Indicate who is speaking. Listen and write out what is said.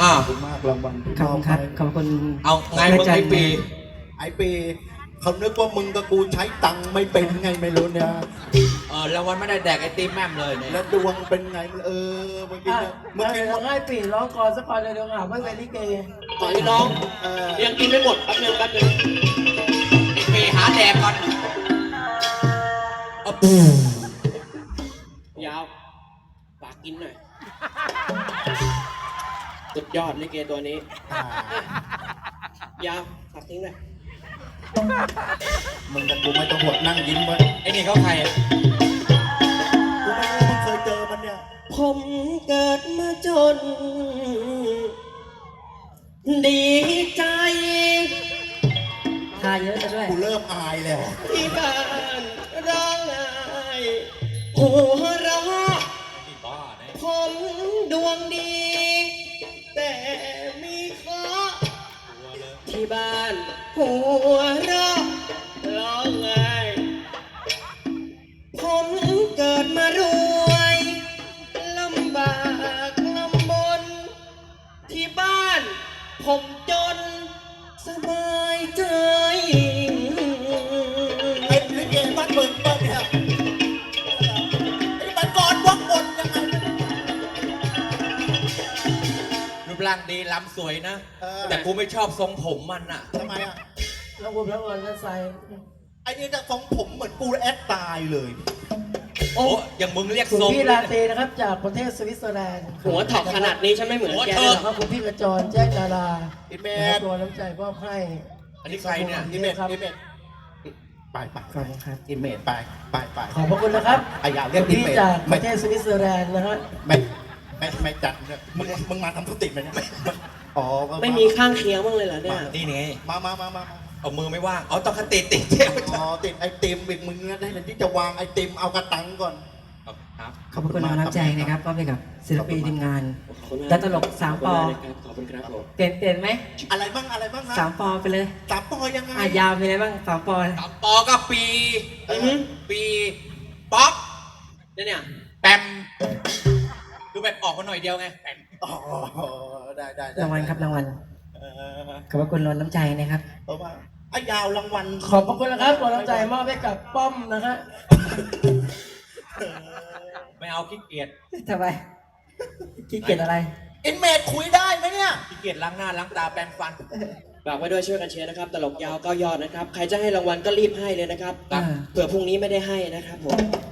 Speaker 1: ขอบคุณมากรางวัลที่
Speaker 2: ขอบคุณครับขอบคุณ
Speaker 3: เอาไงมึงไอ้ปี
Speaker 1: ไอปีเขานึกว่ามึงกับกูใช้ตังค์ไม่เป็นไงไม่รู้เนี่ย
Speaker 3: รางวัลไม่ได้แดกไอติมแม่มเลยเนี่ย
Speaker 1: แล้วดวงเป็นไงเมื่อกี้เนี่ยเมื่อกี้
Speaker 2: ร้องให้ปีร้องก่อนสักก่อนเลยเดี๋ยวหาไม่เป็นลิเก
Speaker 4: ก่อนที่น้องยังกินไม่หมดแป๊บนึง
Speaker 3: ไอปีหาแดกก่อน
Speaker 4: ยาวฝากกินหน่อยสุดยอดลิเกตัวนี้ยาวฝากทิ้งหน่อย
Speaker 1: มึงกับกูไม่ต้องห่วงนั่งยิ้มไว้
Speaker 3: ไอนี่เขาใคร
Speaker 1: กูไม่รู้มึงเคยเจอมันเนี่ย
Speaker 4: ผมเกิดมาจน ดีใจ
Speaker 2: ทาเยอะซะด้วย
Speaker 1: กูเริ่มอายแล้ว
Speaker 4: ที่บ้านร้องไห้หัวเราะ
Speaker 3: นี่บ้านะ
Speaker 4: ผมดวงดี แต่มีเคราะห์ที่บ้านหัวเราะร้องไห้ผมเกิดมารวยลำบากลำบนที่บ้านผมจนสบายใจ
Speaker 1: เป็นลิเกบ้านเมืองบ้านเนี่ยไอ้มันก่อนวักบนยังไง
Speaker 3: รูปร่างดีล้ำสวยนะ แต่กูไม่ชอบทรงผมมันอ่ะ
Speaker 1: ทำไมอ่ะ
Speaker 2: แล้วคุณพระวรรณใส่
Speaker 1: ไอ้นี่จะทรงผมเหมือนปูแอดตายเลย
Speaker 3: โอ้อย่างมึงเรียก
Speaker 2: คุณ
Speaker 3: ทรง
Speaker 2: พี่ลาเตนะครับจากประเทศสวิตเซอร์แลนด์
Speaker 4: หัวถอกขนาดนี้ฉันไม่เหมือนแก
Speaker 3: หัว
Speaker 4: เล
Speaker 3: เถิ
Speaker 4: ย
Speaker 3: ก
Speaker 4: เหรอ
Speaker 2: แล้วก็คุณพี่กระจรแจ้งดารา
Speaker 1: อิเม
Speaker 2: นะครับ
Speaker 1: จ
Speaker 2: ตัวน้ำใจมอบให้
Speaker 3: อันนี้ใครเนี่ย
Speaker 1: อิเมจอิเมจไป
Speaker 2: ขอบคุณครับ
Speaker 1: อิเมจไป
Speaker 2: ขอบพระคุณนะครับ
Speaker 1: ไอ้อย่าเรียกอิ
Speaker 2: พี่
Speaker 1: เมจ
Speaker 2: จากป
Speaker 1: ไม่
Speaker 2: ระเทศสวิตเซอร์แลนด์นะฮะ
Speaker 1: ไม่จัดเนี่ยมึงมาทำธุรกิจไหมเนี่ยอ๋อ
Speaker 4: ไม่มีข้างเคียงบ้างเลยเหรอเนี่ย
Speaker 3: นี่ไง
Speaker 1: มา
Speaker 3: เอามือไม่ว่าง เอาต้องคติติดเที่ยว
Speaker 1: อ๋อติดไอติมอีกมึงนะได้เลยที่จะวางไอติมเอากระตังก่อน
Speaker 3: ครับ
Speaker 2: ขอบพระคุณน้ำใจนะครับก็ไปกับศิลปินทีมงาน
Speaker 4: ขอบคุณมาก
Speaker 2: และตลกสามปอ
Speaker 4: ขอบคุณครับผม
Speaker 2: เปลี่ยนไหม
Speaker 1: อะไรบ้างฮะ
Speaker 2: สามปอไปเลย
Speaker 1: สามปอยังไง
Speaker 2: ยาวมีอะไรบ้างสามปอ
Speaker 3: สามปอก็ปี
Speaker 4: อือฮึ
Speaker 3: ปีป๊อป
Speaker 4: เนี่ย
Speaker 3: แปมดูแบบออกมาหน่อยเดียวไงแปม
Speaker 1: อ๋อได้
Speaker 2: รางวัลครับรางวัล
Speaker 1: เออ
Speaker 2: ขอบพระคุณล้นน้ำใจนะครับ
Speaker 1: เพราะว่าไอ้ยาวรางวัล
Speaker 2: ขอบพระคุณนะครับล้นน้ำใจมอบให้กับป้อมนะฮะ
Speaker 3: ไม่เอาขี้เกียจ
Speaker 2: ทำไมขี้เกียจอะไร
Speaker 1: อินเมจคุยได้ไหมเนี่ย
Speaker 3: ขี้เกียจล้างหน้าล้างตาแปรงฟัน
Speaker 4: ฝากไว้ด้วยช่วยกันเชียร์นะครับ ตลกยาว9 ยอดนะครับ ใครจะให้รางวัลก็รีบให้เลยนะครับ
Speaker 2: อ่า
Speaker 4: เผื่อพรุ่งนี้ไม่ได้ให้นะครับผม